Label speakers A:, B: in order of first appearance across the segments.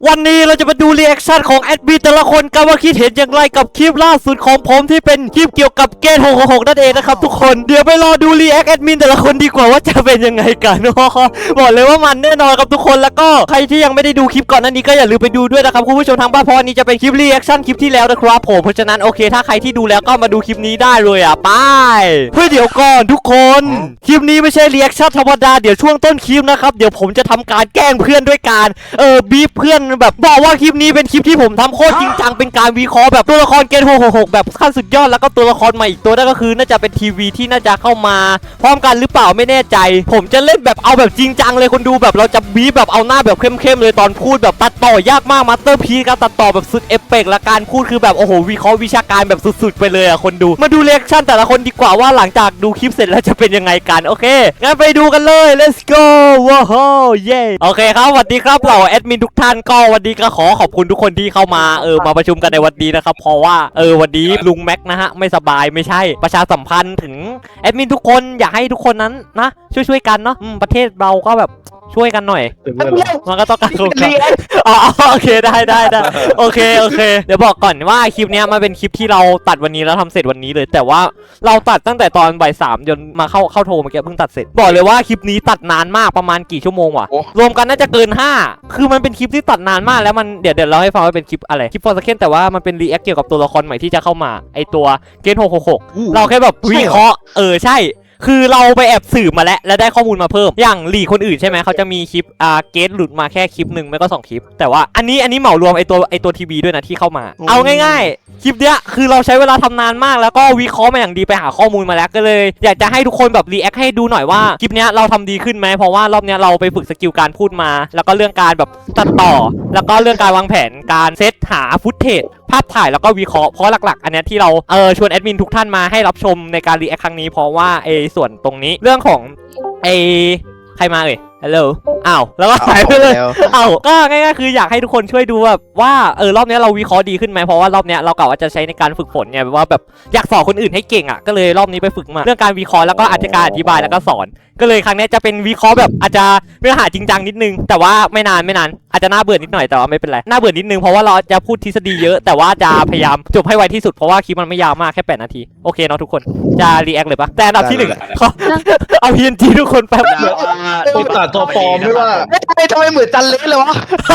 A: วันนี้เราจะมาดูรีแอคชั่นของแอดมินแต่ละคนกันว่าคิดเห็นอย่างไรกับคลิปล่าสุดของผมที่เป็นคลิปเกี่ยวกับเกต666นั่นเองนะครับทุกคนเดี๋ยวไปรอดูรีแอคแอดมินแต่ละคนดีกว่าว่าจะเป็นยังไงกัน บอกเลยว่ามันแน่นอนครับทุกคนแล้วก็ใครที่ยังไม่ได้ดูคลิปก่อนหน้านี้ก็อย่าลืมไปดูด้วยนะครับคุณผู้ชมทางบ้านเพราะอันนี้จะเป็นคลิปรีแอคชั่นคลิปที่แล้วนะครับผมเพราะฉะนั้นโอเคถ้าใครที่ดูแล้วก็มาดูคลิปนี้ได้เลยไปเพื่อเดี๋ยวก่อนทุกคนคลิปนี้ไม่ใช่รีแอคชั่นธรรมดาเดี๋ยวช่วงต้นคลิปนะครับเดี๋ยวผมจะทำการแกล้งเพื่อนด้วยการบีบเพื่อนแบบบอกว่าคลิปนี้เป็นคลิปที่ผมทำโคตรจริงจังเป็นการวิเคราะห์แบบตัวละครเกต666แบบขั้นสุดยอดแล้วก็ตัวละครใหม่อีกตัวนั่นก็คือน่าจะเป็นทีวีที่น่าจะเข้ามาพร้อมกันหรือเปล่าไม่แน่ใจผมจะเล่นแบบเอาแบบจริงจังเลยคนดูแบบเราจะบีบแบบเอาหน้าแบบเข้มๆเลยตอนพูดแบบตัดต่อยากมากมาสเตอร์พีซการตัดต่อแบบสุดเอฟเฟกต์และการพูดคือแบบโอ้โหวิเคราะห์วิชาการแบบสุดๆไปเลยอะคนดูมาดูเรีแอคชั่นแต่ละคนดีกว่าว่าหลังจากดูคลิปเสร็จแล้วจะเป็นยังไงกันโอเคงั้นไปดูกันเลย let's go ว้าวเย้โอเคครับสวัสดีครับเหล่าแอดมินทุกท่านก็วันนี้ก็ขอบคุณทุกคนที่เข้ามามาประชุมกันในวันนี้นะครับเพราะว่าวันนี้ลุงแม็กนะฮะไม่สบายไม่ใช่ประชาสัมพันธ์ถึงแอดมินทุกคนอยากให้ทุกคนนั้นนะช่วยกันเนาะประเทศเราก็แบบช่วยกันหน่อยมันก็ต้องการคนอ๋อโอเคได้โอเคเดี๋ยวบอกก่อนว่าคลิปนี้มันเป็นคลิปที่เราตัดวันนี้แล้วทำเสร็จวันนี้เลยแต่ว่าเราตัดตั้งแต่ตอนบ่ายสามจนมาเข้าโทรเมื่อกี้เพิ่งตัดเสร็จบอกเลยว่าคลิปนี้ตัดนานมากประมาณกี่ชั่วโมงวะรวมกันน่าจะเกิน5คือมันเป็นคลิปที่ตัดนานมากแล้วมันเดี๋ยวเราให้ฟังว่าเป็นคลิปอะไรคลิปฟอร์สเคนแต่ว่ามันเป็นรีแอคเกี่ยวกับตัวละครใหม่ที่จะเข้ามาไอตัวเกต666เราแค่แบบวิเคราะห์ใช่คือเราไปแอบสืบมาแล้วได้ข้อมูลมาเพิ่มอย่างลีคนอื่นใช่ไหมเขาจะมีคลิปเกตหลุดมาแค่คลิปหนึ่งไม่ก็2คลิปแต่ว่าอันนี้เหมารวมไอตัวทีวีด้วยนะที่เข้ามาเอาง่ายๆคลิปเนี้ยคือเราใช้เวลาทำนานมากแล้วก็วิเคราะห์มาอย่างดีไปหาข้อมูลมาแล้วก็เลยอยากจะให้ทุกคนแบบรีแอคให้ดูหน่อยว่าคลิปเนี้ยเราทำดีขึ้นไหมเพราะว่ารอบเนี้ยเราไปฝึกสกิลการพูดมาแล้วก็เรื่องการแบบตัดต่อแล้วก็เรื่องการวางแผนการเซตหาฟุตเทจภาพถ่ายแล้วก็วิเคราะห์เพราะหลักๆอันนี้ที่เราชวนแอดมินทุกท่านมาให้รับชมในการรีแอคครั้งนี้เพราะว่าส่วนตรงนี้เรื่องของใครมาฮัลโหลอ้าวแล้วก็หายไปเลยอ้าวก็ง่ายๆคืออยากให้ทุกคนช่วยดูแบบว่ารอบนี้เราวิเคราะห์ดีขึ้นไหมเพราะว่ารอบนี้เรากะว่าจะใช้ในการฝึกฝนไงแบบว่าแบบอยากสอนคนอื่นให้เก่งอ่ะก็เลยรอบนี้ไปฝึกมาเรื่องการวิเคราะห์แล้วก็อธิบายแล้วก็สอนก็เลยครั้งนี้จะเป็นวิเคราะห์แบบอาจจะเนื้อหาจริงจังนิดนึงแต่ว่าไม่นานอาจจะน่าเบื่อนิดหน่อยแต่ว่าไม่เป็นไรน่าเบื่อนิดนึงเพราะว่าเราจะพูดทฤษฎีเยอะแต่ว่าจะพยายามจบให้ไวที่สุดเพราะว่าคลิปมันไม่ยาวมากแค่8 นาทีโอเคเนาะทุกคนจะรีแอคเลยปะแต่อันดับที่1เอา PNG ทุกคนแป๊บเดียว
B: ตัดตัวปลอมด้วยว่า
C: ทำไมเหมือนจันเละเลยวะ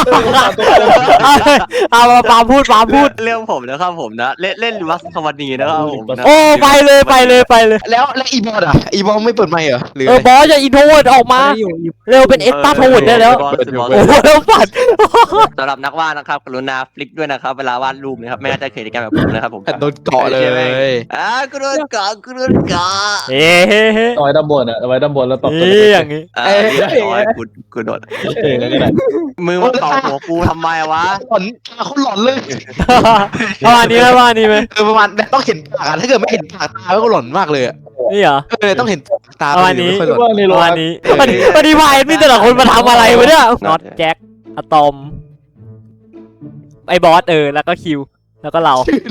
A: เอามาปาพูด
D: เรื่องผมนะครับผมนะเล่นวัสควันนีนะครับผมนะ
A: โอ้ไปเลย
C: แล้วอีบอลอ่ะอีบอลไม่เปิดไมค์เหรอหรือบ
A: อสอย่าอินโทรเวิร์ดออกมาเร็วเป็นเอ็กซ์ตร้าโทรเวิร์ดได้แล้วโอ้โหแล้วปัด
D: สำหรับนักวาดนะครับกรุณาฟลิกด้วยนะครับเวลาวาดรูปนะครับไม่น่าจะเคยในการแบบผมนะครับผม
C: โดนเกาะเลย
D: กูโดนเกาะ
A: เฮ้
B: เอาไว้ด้านบนอ่ะเอาไว้ด้านบนแล้วปรับตัว
A: นี่อย่างงี้
D: กูโดน
B: แล้วก็ได้
D: มือมาเกาะหัวกูทำไมวะ
C: หลอนเขาหลอนเลย
A: ประมาณนี้ไหม
C: ประมาณต้องเห็นปากถ้าเกิดไม่เห็นปากตาก็หลอนมากเลย
A: นี่เหรอ
C: ต้องเห็นตา
A: ประมาณนี้
B: ว่าในโรง
A: วันนี้พายนี่แต่ละคนมาทำอะไรวะเนี่ยน็อตแจ็คอะตอมไอ้บอสแล้วก็คิวแล้วก็เรา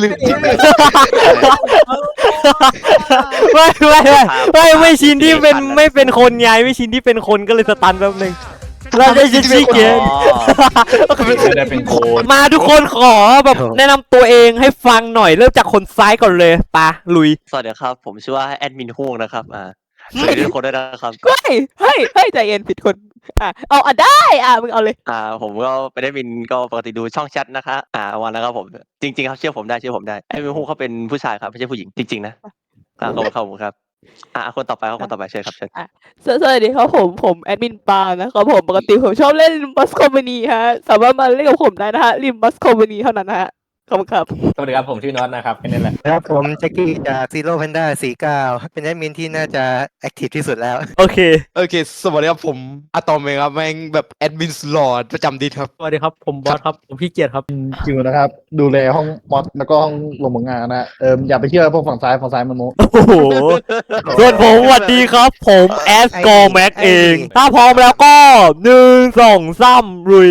A: ไม่ชินที่เป็นไม่เป็นคนไงไม่ชินที่เป็นคนก็เลยสตันแป๊บนึงเราจะชิเกน
B: ไม่ได้เป็นโคน
A: มาทุกคนขอแบบแนะนำตัวเองให้ฟังหน่อยเริ่มจากคนซ้ายก่อนเลยปะลุย
D: สวัสดีครับผมชื่อว่าแอดมินฮูงนะครับสวัสดีทุกคนด้วยนะครับ
E: เฮ้ยใจเย็นผิดคนเอาได้มึงเอาเลย
D: ผมก็ไปได้มินก็ปกติดูช่องแชทนะคะวันแล้วครับผมจริงๆครับเชื่อผมได้แอดมินฮูงเขาเป็นผู้ชายครับไม่ใช่ผู้หญิงจริงๆนะขอบคุณครับคนต่อไปเชิญครับเชิญ
E: สวัสดีครับผมแอดมินปานะครับผมปกติผมชอบเล่นบัสคอมพานีฮะสามารถมาเล่นกับผมได้นะฮะริมบัสคอมพานีเท่านั้นนะฮะขอบคุณครับ
B: สวัสดีครับผมชื่อน็อตนะครับแค่นั้นแหละ
F: ครับผมแจ็คกี้จากซีโร่แพนด้า49เป็นแอดมินที่น่าจะแอคทีฟที่สุดแล้ว
A: โอเค
C: สวัสดีครับผมอะตอมเองครับแม่งแบบแอดมินสลอดประจำดิครับ
G: สวัสดีครับผมบอสครับผมพี่เกียรติครับ
B: จิวนะครับดูแลห้องมอสแล้วก็ห้องลงมืองานนะอย่าไปเชื่อพวกฝั่งซ้ายมันโม้
A: โอ้โหส่วนผมสวัสดีครับผมแอสกอร์แม็กเองถ้าพร้อมแล้วก็1 2 3ลุย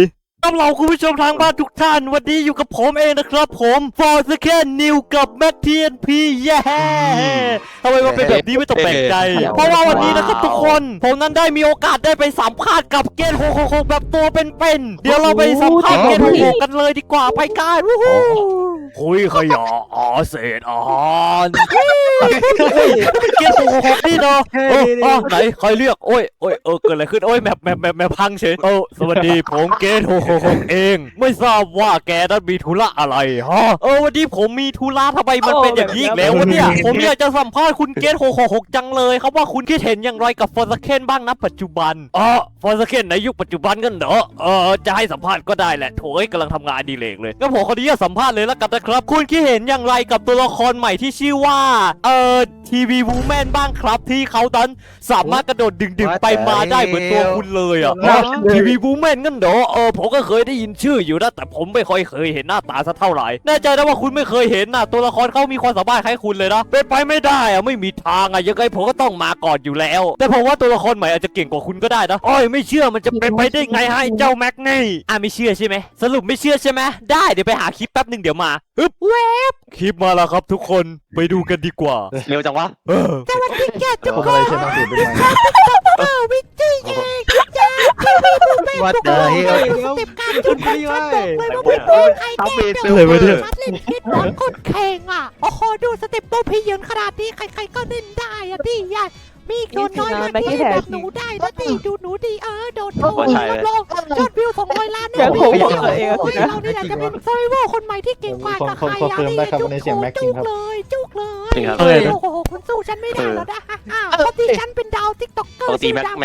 A: ต้อนรับคุณผู้ชมทางบ้านทุกท่านวันนี้อยู่กับผมเองนะครับผมฟอร์สแคนนิวกับแม็กทีนพีเย้ทำไมมันเป็นแบบนี้ไม่ต้องแปลกใจเพราะว่าวันนี้นะครับทุกคนผมนั้นได้มีโอกาสได้ไปสัมภาษณ์กับเกณฑ์666แบบตัวเป็นๆเดี๋ยวเราไปสัมภาษณ์เกณฑ์666กันเลยดีกว่าไปกันคุยขยะเศษอาหารเกณฑ์666นี่เนาะไหนใครเรียกโอ้ยเกิดอะไรขึ้นโอ้ยแมปพังเฉยสวัสดีผมเกณฑ์666เองไม่ทราบว่าแกนั้นมีธุระอะไรฮะวันนี้ผมมีธุระทำไมมันเป็นอย่างนี้อีกแล้ววะเนี่ยผมอยากจะสัมภาษณ์คุณเกณฑ์666จังเลยครับว่าคุณคิดเห็นอย่างไรกับฟอร์สเคนบ้างนะปัจจุบันฟอร์สเคนในยุคปัจจุบันกันเหรอจะให้สัมภาษณ์ก็ได้แหละโถยกำลังทำงานอดีเลกเลยงั้นผมขออนุญาตสัมภาษณ์เลยแล้วกันนะครับคุณคิดเห็นอย่างไรกับตัวละครใหม่ที่ชื่อว่าทีวีวูแมนบ้างครับที่เขาตอนสามารถกระโดดดึงไปมาได้เหมือนตัวคุณเลยอ่ะทีวีวูแมนงั้นเหรอผมก็เคยได้ยินชื่ออยู่นะแต่ผมไม่ค่อยเคยเห็นหน้าตาสักเท่าไหร่แน่ใจนะว่าคุณไม่เคยเห็นนะตัวละครเขามีความสามารถคล้ายคุณเลยนะเป็นไปไม่ได้อะไม่มีทางอะยังไงผมก็ต้องมาก่อนอยู่แล้วแต่ผมว่าตัวละครใหม่อาจจะเก่งกว่าคุณก็ได้นะไม่เชื่อมันจะเป็นไปได้ไงให้เจ้าแม็กนี่ไม่เชื่อใช่ไหมสรุปไม่เชื่อใช่ไหมได้เดี๋ยวไปหาคลิปแป๊บหนึ่งเดี๋ยวมาฮึบเว็บคลิปมาแล้วครับทุกคนไปดูกันดีกว่า
D: เร็วจังวะ
A: สวัสดีแกทุก
B: ทำ
A: ค
B: อะไร
A: น
B: ใช่ไหมถือเป็นไง
A: วิจิเย่จ้าวัดเดอร์เฮลสเต็ปการจุดของฉันบอกเลยว่าไม่มีใครแก้เดี๋ยวมาเล่นคิดบอลคนแข่งอ่ะโอ้โหดูสเต็ปโปรพี่เยินขนาดนี้ใครๆก็เล่นได้อ่ะพี่ใหญ่มีคนน้อยมากที่แบบหนูได้นะพี่ดูหนูดีโดดโถรับรองยอดวิว200 ล้านเนี่ยเรานี่แหละจะเป็นซอยว่าคนใหม่ที่เก่งกว่ากับใครอ่ะนี่จุกเลยโอ้โหคุณสู้ฉันไม่ได้แล้วนะเพราะที่ฉันเป็นดาวติ๊กต็อกเกอร์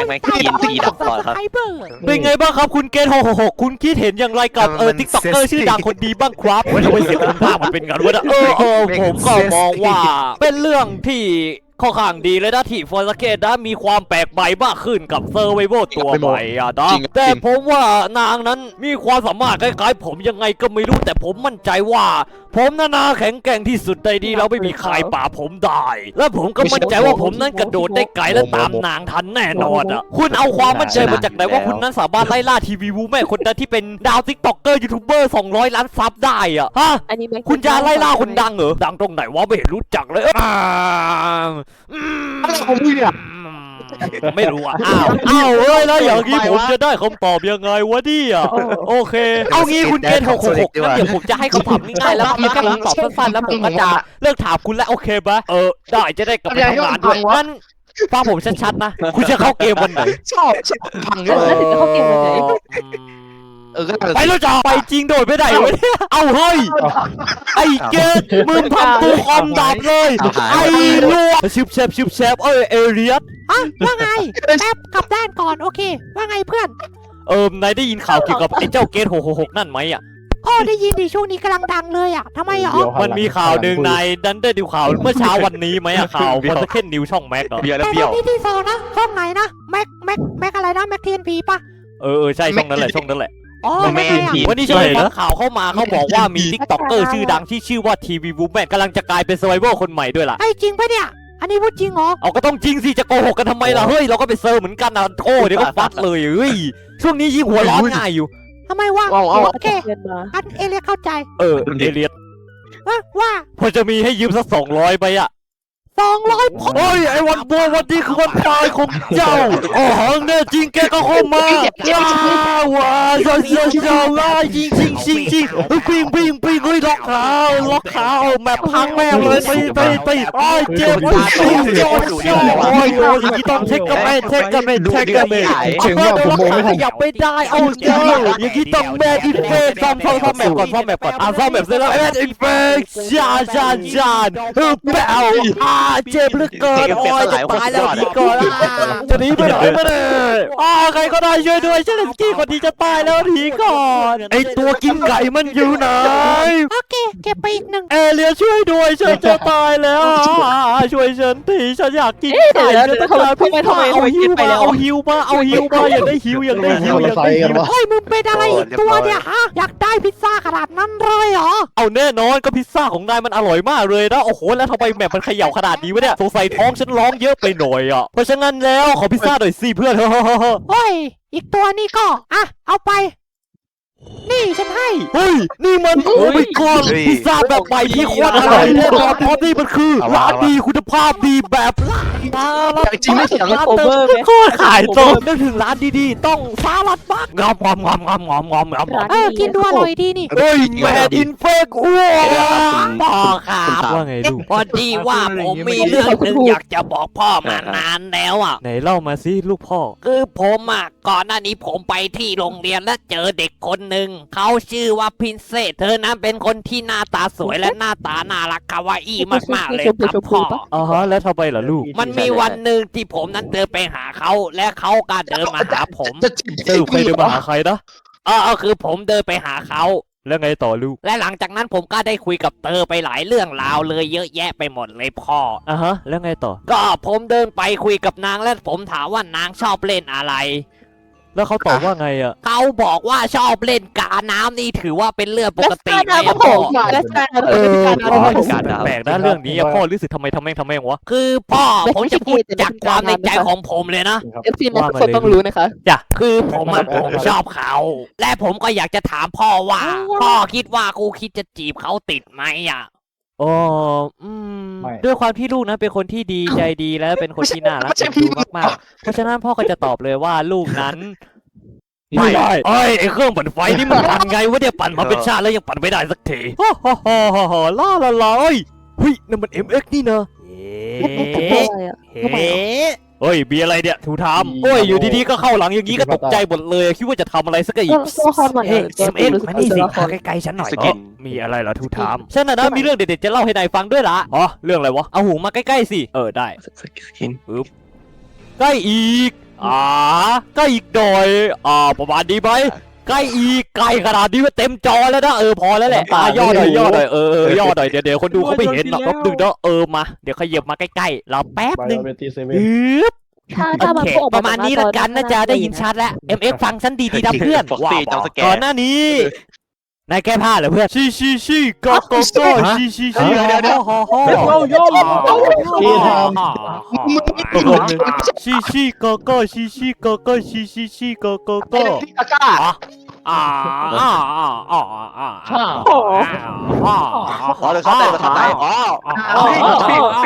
A: เป็นไงบ้างครับคุณเกณฑ์666คุณคิดเห็นอย่างไรกับติ๊กต็อกเกอร์ชื่อดังคนดีบ้างครับทำไมเสียงคนภาคมันเป็นงั้นวะผมก็มองว่าเป็นเรื่องที่ข้อข้างดีเลยนะที่ฟอร์สเกตนะมีความแปลกใหม่มากขึ้นกับเซอร์ไวโวตัวใหม่อะนะแต่ผมว่านางนั้นมีความสามารถคล้ายๆผมยังไงก็ไม่รู้แต่ผมมั่นใจว่าผมนาแข็งแกร่งที่สุดในนี้เราไม่มีใครป่าผมได้และผมก็มั่นใจว่าผมนั้นกระโดดได้ไกลและตามนางทันแน่นอนอ่ะคุณเอาความมั่นใจมาจากไหนว่าคุณนั้นสามารถไล่ล่าทีวีวูแม่คนนั้นที่เป็นดาวติ๊กต็อกเกอร์ยูทูบเบอร์200 ล้านซับได้อ่ะฮะคุณจะไล่ล่าคนดังเหรอดังตรงไหนวะไม่เห็นรู้จักเลย
B: อะไรของพี่เนี่ย
A: ไม่รู้อ่ะอ้าวแล้วอย่างนี้ผมจะได้คำตอบยังไงวะเนี่ยโอเคเอางี้คุณเกณฑ์666งั้นเดี๋ยวผมจะให้คำตอบง่ายๆแล้วมีแค่คำตอบสั้นๆแล้วผมก็จะเลิกถามคุณแล้วโอเคปะได้จะได้กลับไปทำงานด้วยงั้นฟังผมชัดๆนะคุณจะเข้าเกมวันไหน
C: ชอบพังเลย
E: แล้วถึงจะเข้าเกมวันไหน
A: ไปแล้วจ้าไปจริงโดดไม่ได้วะเนี่ยเอาเฮ้ยไอ้เกดมึงทำตัวคอมดับเลยไอ้ลูกชิบแชบเอเรียสว่าไงแป๊บกลับด้านก่อนโอเคว่าไงเพื่อนนายได้ยินข่าวเกี่ยวกับไอ้เจ้าเกด666นั่นไหมอ่ะได้ยินดิช่วงนี้กำลังดังเลยอ่ะทำไมอ่ะมันมีข่าวหนึ่งนายดันได้ดูข่าวเมื่อเช้าวันนี้ไหมอ่ะข่าวฟอนเทนนิวช่องแม็กเบียร์แล้วเบี้ยวนี่ที่2นะช่องไหนนะแม็กอะไรนะแม็กทีนพีป่ะใช่ช่องนั้นแหละไม่วันนี้ช่วยฟังข่าวเข้ามาเขาบอกว่ามีติ๊กต็อกเกอร์ชื่อดังที่ชื่อว่าทีวีวูแมนกำลังจะกลายเป็นเซอร์ไวเวอร์คนใหม่ด้วยล่ะไอ้จริงปะเนี่ยอันนี้พูดจริงเหรอเอาก็ต้องจริงสิจะโกหกกันทำไมล่ะเฮ้ยเราก็เป็นเซอร์เหมือนกันนะโอ้เดี๋ยวก็ฟัดเลยเฮ้ยช่วงนี้ยิ่งหัวร้อนง่ายอยู่ทำไมวะโอเคอันเอเลียเข้าใจเอเลียว่าพอจะมีให้ยืมสัก200ไปอะ200เฮ้ยไอ้วันบัววันนี้คือวันตายของเจ้าหังเนี่ยจริงแกก็เข้ามาว้าวเจ้าจริงปิ้งเฮ้ยล็อกขาแม่พังแม่เลยไปเจ็บโอ้ยอย่างนี้ต้องเช็คกันเช็คกันขยับไม่ได้เจ้าอย่างนี้ต้องแมทอินเฟกซ่อมแบบก่อนซ่อมแบบเสร็จแล้วแมทอินเฟกจานแปวเจ็บเหลือเกินโอ้ยจะตายแล้วดีก่อนจะหนีไปไหนไม่ได้ใครก็ได้ช่วยด้วยเชลกี้คนที่จะตายแล้วหนีก่อนไอตัวกินไก่มันอยู่ไหนโอเคเก็บไปอีก1เอเลียช่วยด้วยฉันจะตายแล้วช่วยฉันทีฉันอยากกินไก่จะต้องการพี่ทำไมเอาฮิวมาอยากได้ฮิวเฮ้ยมึงเป็นอะไรอีกตัวเนี่ยฮะอยากได้พิซซ่าขนาดนั้นเลยเหรอเอาแน่นอนก็พิซซ่าของนายมันอร่อยมากเลยนะโอ้โหแล้วทำไมแมปมันเขย่าขนาดนี้วะเนี่ยสงสัยท้องฉันร้องเยอะไปหน่อยอ่ะเพราะฉะนั้นแล้วขอพิซซ่าหน่อยสิเพื่อนเฮ้ยอีกตัวนี้ก็เอาไปนี่ฉันให้ เฮ้ย นี่มันโอ้ยก้อนพิซซ่าแบบใหม่ที่โคตรอร่อยแน่นอนเพราะนี่มันคือร้านดีคุณภาพดีแบบร้านมาแล้ว
C: จริงไม่เสียง
A: ร้าน
E: โอ
A: เติ
E: เวอร์ไหม
A: มโคตรขายตรงนึกถึงร้านดีๆ ต้องสลัดบักงอมงอมงอมงอมงอมงอมงอม
E: ร้าน
A: กินดูอร่อยดีนี่เฮ้ยแมดอินเฟกอ้วพ่อครับว่าไงลูกพอดีว่าผมมีเรื่องหนึ่งอยากจะบอกพ่อมานานแล้วอ่ะไหนเล่ามาสิลูกพ่อ
H: คือผมอ่ะก่อนหน้านี้ผมไปที่โรงเรียนและเจอเด็กคนหนึ่งเขาชื่อว่าพินเซสเธอนั้นเป็นคนที่หน้าตาสวยและหน้าตาน่ารักคาวาอี้มากๆเลยครับพ่อ
A: อ๋อฮะแล้วทำไมล่ะลูก
H: มันมีวันหนึ่งที่ผมนั้นเดินไปหาเขาและเขาก็เดินมาหาผม
C: จะจีบ
A: สรุปใครเดินมาหาใครนะ
H: คือผมเดินไปหาเขา
A: แล้วไงต่อลูก
H: และหลังจากนั้นผมก็ได้คุยกับเธอไปหลายเรื่องราวเลยเยอะแยะไปหมดเลยพ่อ
A: อ่ะฮะแล้วไงต่อ
H: ก็ผมเดินไปคุยกับนางและผมถามว่านางชอบเล่นอะไร
A: แล้วเขาตอบว่าไงอ่ะ
H: เขาบอกว่าชอบเล่นกาน้ำนี่ถือว่าเป็นเรื่องปกติไหม
E: ครั
H: อะ
E: บผ
H: พ่อ
E: มและการ
A: เออ
E: การ
A: พ่อ
E: ผม
A: แปลกๆนะเรื่องนี้อะพ่อรู้สึกทำไมวะ
H: คือพ่อผมจะพูดจากความในใจของผมเลยนะ
E: เอฟซีแม็กซ์คนต้องรู้นะคะ
A: จ้ะ
H: คือผมชอบเขา และผมก็อยากจะถามพ่อว่า พ่อคิดว่ากูคิดจะจีบเขาติดไหมอ่ะ
A: อ๋อด้วยความที่ลูกนั้นเป็นคนที่ดีใจดีและเป็นคนที่น่ารักเอ็นดูมากๆเพราะฉะนั้นพ่อก็จะตอบเลยว่าลูกนั้นไม่ได้ไอ้เครื่องปั่นไฟนี่มันปั่นไงวะเนี่ยปั่นมาเป็นชาติแล้วยังปั่นไม่ได้สักทีฮ่าฮ่าฮ่าฮ่าล่าละลายเฮ้ยนั่นมัน MX นี่นะเฮ้ยมีอะไรเนี่ยทูทามโอ้ยอยู่ดีๆก็เข้าหลังอย่างนี้ก็ตกใจหมดเลยคิดว่าจะทำอะไรสักอีก
E: ตัวละครใหม่
A: เฮ้ยเอ็มมานี่สิมาใกล้ๆฉันหน่อย
D: สกิน
A: มีอะไรเหรอทูทามฉันน่ะนะมีเรื่องเด็ดๆจะเล่าให้นายฟังด้วยล่ะอ๋อเรื่องอะไรวะเอาหูมาใกล้ๆสิได้
D: สกิน
A: ใกล้อีกใกล้อีกหน่อยประมาณนี้ไหมใกล้อีกใกล้ขนาดนี้ว่าเต็มจอแล้วนะพอแล้วแหละย่อหน่อยย่อหน่อยย่อหน่อยเดี๋ยวคนดูเขาไม่เห็นหรอกแป๊บนึงนะมาเดี๋ยวขยับมาใกล้ๆเราแป๊บนึง
E: ถ้ามันพวก
H: ประมาณนี้ละกันน่าจะได้ยินชัดแล้ว MF ฟังฉันดีๆนะเพื่อน
D: ฟ็อกซี่จำสแก
A: ก่อน
D: น
A: หน้านี้นายแก้ผ้าเหรอเพื่อนชีก็ชีชีก็ชีก็
C: อากาศ
D: อ๋อเลยเข้าใจภาษาไทยอ๋อ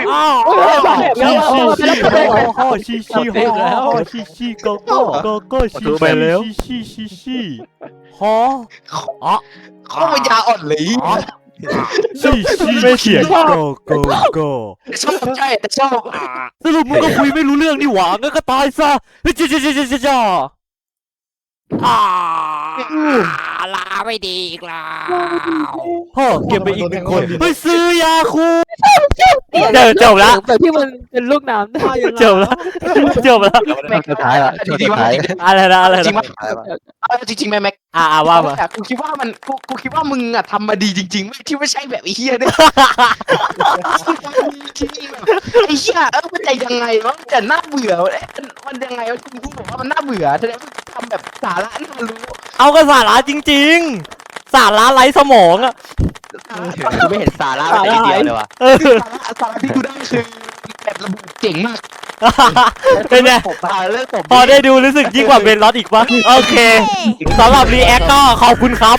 A: ชีก็ไปแล้วชีฮอ
C: เข้าปัญญาอ่อนเลย
A: ชีไม่เขียนก็
C: ชอบใช่แต่ชอบ
A: สรุปมึงก็คุยไม่รู้เรื่องนี่หว่างั้นก็ตายซะจ้า
H: ลาไม่ดีอีกแล้ว
A: พ่อเก็บไปอีกหนึ่งคนไปซื้อยาคูจบแล้ว
E: แบบที่มันเป็นลูกน้ำ
A: จบแล้ว
F: สุดท้ายละช่วงสุดท้าย
A: อะไรนะ
C: จริงจริงแม่แม็ก
A: ว่ามา
C: กูคิดว่ามันกูคิดว่ามึงอะทำมาดีจริงๆที่ไม่ใช่แบบไอ้เหี้ยเนี่ยไอ้เหี้ยมันจะยังไงวะมันจะน่าเบื่อมันยังไงวะคุณพูดบอกว่ามันน่าเบื่อแสดงว่าทำแบบสาระน่ารู้
A: เอากระสาระจริงๆ สาระไร้สมองอ่ะ
D: กูไม่เห็นสาระเลยทีเดียวเลยว่ะ
C: สาระที่กูได้คือแบบระบุเจ๋งมาก
A: เป็นไง
D: เรื่องผม
A: พอได้ดูรู้สึกยิ่งกว่าเบนล็อตอีกปะโอเคสำหรับรีแอคก็ขอบคุณครับ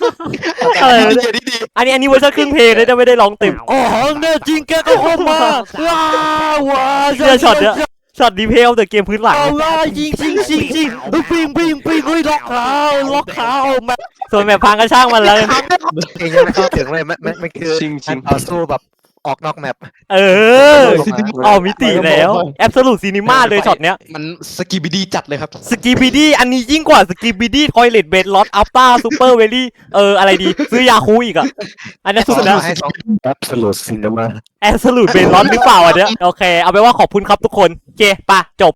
A: อันนี้เวอร์ชันครึ่งเพลงเลยจะไม่ได้ร้องเต็มอ๋อเนี่ยจริงแกก็เข้ามาว้าวเนี่ยช็อตเนี้ยช็อตดีเพลแต่เกมพื้นหลังยิงปิงเฮ้ยล็อกเขามาส่วนแบบพังก็ช่างมันเลย
F: เองยังไม่เข้าถึงเลยมันคือเอาสู้แบบออกนอกแมป
A: มิติแล้วแอบสูตซีนิม่าเลยช็อตเนี้ย
C: มันสกีบิดีจัดเลยครับ
A: สกีบีดี้อันนี้ยิ่งกว่าสกีบีดี้ทอยเลทเบดล็อตอัลต้าซูเปอร์เวลี่อะไรดีซื้อยาคูอีกอ่ะอันนี้สุดนะ
F: ให้2 Absolute Cinema
A: แอบสูตเบดล็อตหรือเปล่าอันเนี้ยโอเคเอาไปนว่าขอบคุณครับทุกคนเจป่ะจบ